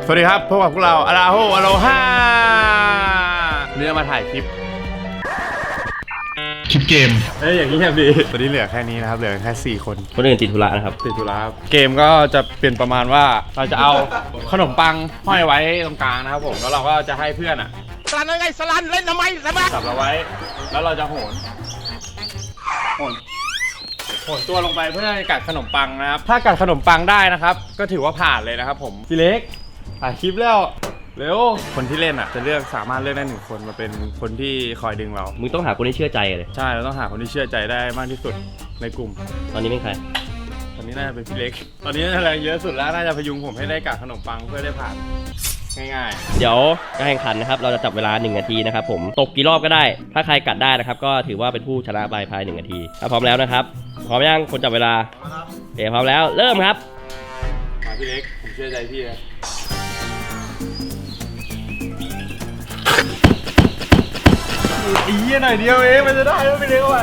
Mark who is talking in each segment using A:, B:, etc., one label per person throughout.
A: สวัสดีครับพบกับพวกเราอาราโฮอโลฮาเนื้อมาถ่ายคลิป
B: เกม
A: อย่างนี้ครับดีตอนนี้เหลือแค่นี้นะครับเหลือแค่4 คน
C: อื่นติดธุระนะครับ
A: ติดธุระเกมก็จะเป็นประมาณว่าเราจะเอาขนมปังห้อยไว้ตรงกลางนะครับผมแล้วเราก็จะให้เพื่อนอ่ะสลันอะไรสลันเล่นทำไมสลันจับเราไว้แล้วเราจะโหนตัวลงไปเพื่อกัดขนมปังนะครับถ้ากัดขนมปังได้นะครับก็ถือว่าผ่านเลยนะครับผมพี่เล็กถ่ายคลิปแล้วเร็วคนที่เล่นอ่ะจะเลือกสามารถเลือกได้1 คนมาเป็นคนที่คอยดึงเรา
C: มึงต้องหาคนที่เชื่อใจเลย
A: ใช่เราต้องหาคนที่เชื่อใจได้มากที่สุดในกลุ่ม
C: ตอนนี้เป็นใคร
A: ตอนนี้น่าจะเป็นพี่เล็กตอนนี้น่าจะแรงเยอะสุดแล้วน่าจะพยุงผมให้ได้กัดขนมปังเพื่อได้ผ่านง่าย
C: ๆเดี๋ยวการแข่งขันนะครับเราจะจับเวลา1 นาทีนะครับผมตกกี่รอบก็ได้ถ้าใครกัดได้นะครับก็ถือว่าเป็นผู้ชนะไปภาย1 นาทีถ้าพร้อมแล้วนะครับพร้อมยังคนจับเวลาพร้อมแล้วเริ่มครับ
A: มาพี่เล็กผมเชื่อใจพี่นะอีหน่อยเดียวเองมันจะได้แล้วพี่เล็กว่ะ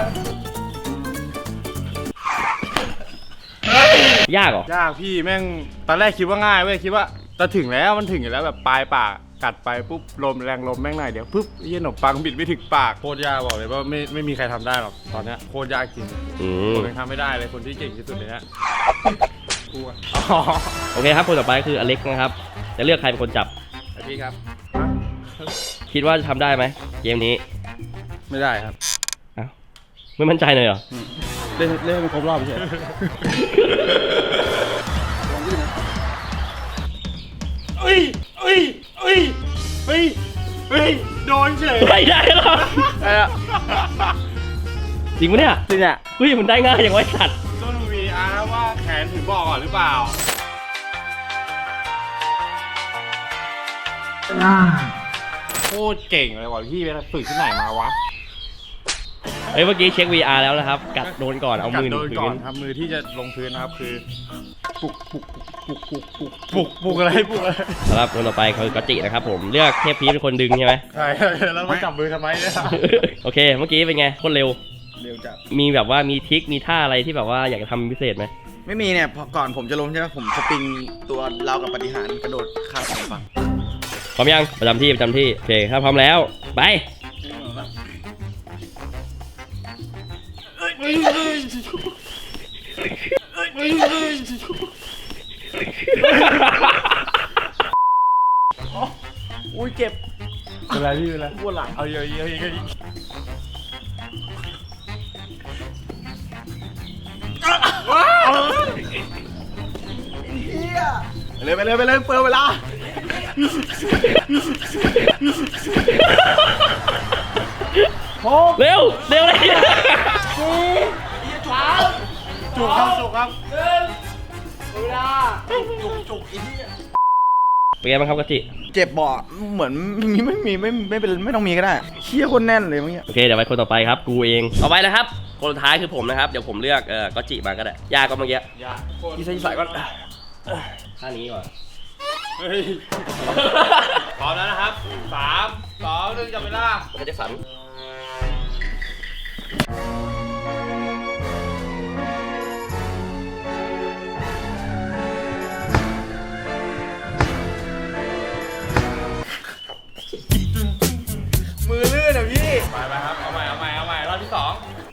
C: ยากเหรอย
A: ากพี่แม่งตอนแรกคิดว่าง่ายเว้ยคิดว่าจะถึงแล้วมันถึงอยู่แล้วแบบปลายปากกัดไปปุ๊บลมแรงลมแม่งหน่อยเดี๋ยวปุ๊บขนมปังบิดไม่ถึงปากโคตรยากบอกเลยว่าไม่มีใครทำได้หรอกตอนนี้โคตรยากจริงผมยังทำไม่ได้เลยคนที่เก่งที่สุดเลยนะ
C: โอเคครับคนต่อไปคืออเล็กนะครับจะเลือกใครเป็นคนจับ
A: พี่ครับ
C: คิดว่าจะทำได้ไหมเกมนี้
A: ไม่ได้ครับ
C: อ้าวไม่มั่นใจเลยเหรอ
A: เล่นไม่ครบรอบใช่เฮ้ยโดนเฉย
C: ไม่ได้หรอจริงปะเนี่ย
A: จริงอ่ะ
C: เฮ้ยมันได้ง่ายอย่างไว้สัตว์
A: ต้น VR นะว่าแขนถึงบอกก่อนหรือเปล่าโคตรเก่งเลยว่ะพี่ไปฝึกที่ไหนมาวะ
C: เฮ้ยเมื่อกี้เช็ค VR แล้วนะครับกัดโดนก่อนเอามือ
A: โดนก่อนครับมือที่จะลงพื้นนะครับคือปุกอะไร
C: สำหรับคนต่อไปคือกอจินะครับผมเลือกเทพพีเป็นคนดึงใช่ไหม
A: ใช่แล้วมาจับมือทำไมเนี่ย
C: โอเคเมื่อกี้เป็นไงโคตรเร็ว
A: จัด
C: มีแบบว่ามีทริคมีท่าอะไรที่แบบว่าอยากจะทำพิเศษไหม
D: ไม่มีเนี่ยก่อนผมจะล้มใช่ไหมผมสปริงตัวเรากับปฏิหารกระโดดข้ามฝั่ง
C: พร้อมยังประจำที่โอเคถ้าพร้อมแล้วไป
A: อุ้ยเจ็บเป็นไรพี่เป็นไรปวดหลังเอาเยอะไปเลยเปิดเวลา
C: เร็วเลย
A: จุกครับเวลาจุกอีนี่
C: เป็นไงบ้างครับกะจิ
D: เจ็บบ่เหมือนไม่ต้องมีก็ได้เชี่ยคนแน่นเลยเมื่อกี้
C: โอเคเดี๋ยวไปคนต่อไปครับกูเองต่อไปนะครับคนสุดท้ายคือผมนะครับเดี๋ยวผมเลือกกะจิมาก็ได้ยากก็เมื่อกี้
A: ที่ใส่ก่อน
C: ท่านี้ก่อน
A: พร้อมแล้วนะครับ3 2 1จับเวลา
C: มันจะสั่น
A: มือลื่นอ่ะพี่ไปครับเอาใหม่รอบที่2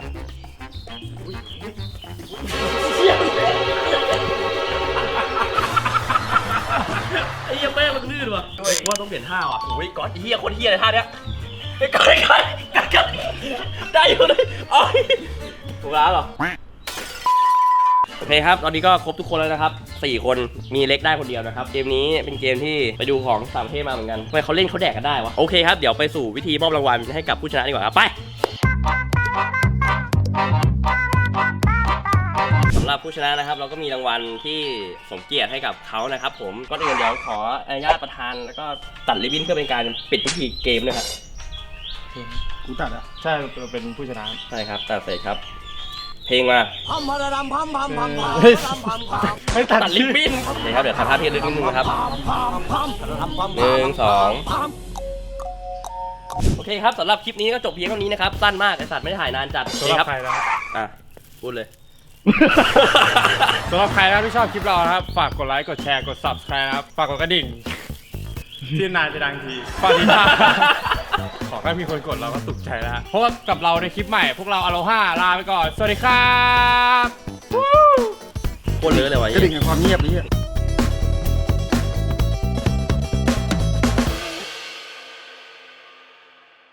C: ไอ้เหี้ยแม่มันลื่นว่ะว่าต้องเปลี่ยนท่าว่ะโอ้ยก๊อตเหี้ยคนเหี้ยเลยท่าเนี้ยไอ้ก๊อตได้อยู่เลยอ๋อถูกแล้วเหรอโอเคครับตอนนี้ก็ครบทุกคนแล้วนะครับ4 คนมีเล็กได้คนเดียวนะครับเกมนี้เป็นเกมที่ไปดูของต่างประเทศมาเหมือนกันทำไมเขาเล่นเขาแดกกันได้วะโอเคครับเดี๋ยวไปสู่วิธีมอบรางวัลให้กับผู้ชนะดีกว่าครับไปสำหรับผู้ชนะนะครับเราก็มีรางวัลที่สมเกียรติให้กับเขานะครับผมก็เดี๋ยวขออนุญาตประธานแล้วก็ตัดริบบิ้นเพื่อเป็นการปิดพิธีเกมนะครับ
A: กูตัดอ่ะใช่เป็นผู้ชนะ
C: ใช่ครับตัดเสร็จครับเพลงมา
A: ไม่ตัด
C: ริบบิ้นเดี๋ยวครับเดี๋ยวทำท่าเทียนนิดนึงนะครับ1 2โอเคครับสำหรับคลิปนี้ก็จบเพียงเท่านี้นะครับสั้นมากไอสัตว์ไม่ได้ถ่ายนานจัด
A: สำหรับใครนะ
C: พูดเลย
A: สำหรับใครนะที่ชอบคลิปเรานะครับฝากกดไลค์กดแชร์กด Subscribe นะครับฝากกดกระดิ่งที่นานจะดังทีปฏิภาณขอแค่มีคนกดเราก็สุขใจแล้ว เพราะว่ากับเราในคลิปใหม่ พวกเราอโลฮาลาไปก่อน สวัสดีครับ
C: โคตรเลอะเลยวะ
D: กระดิ่งแห่งความเงียบนี้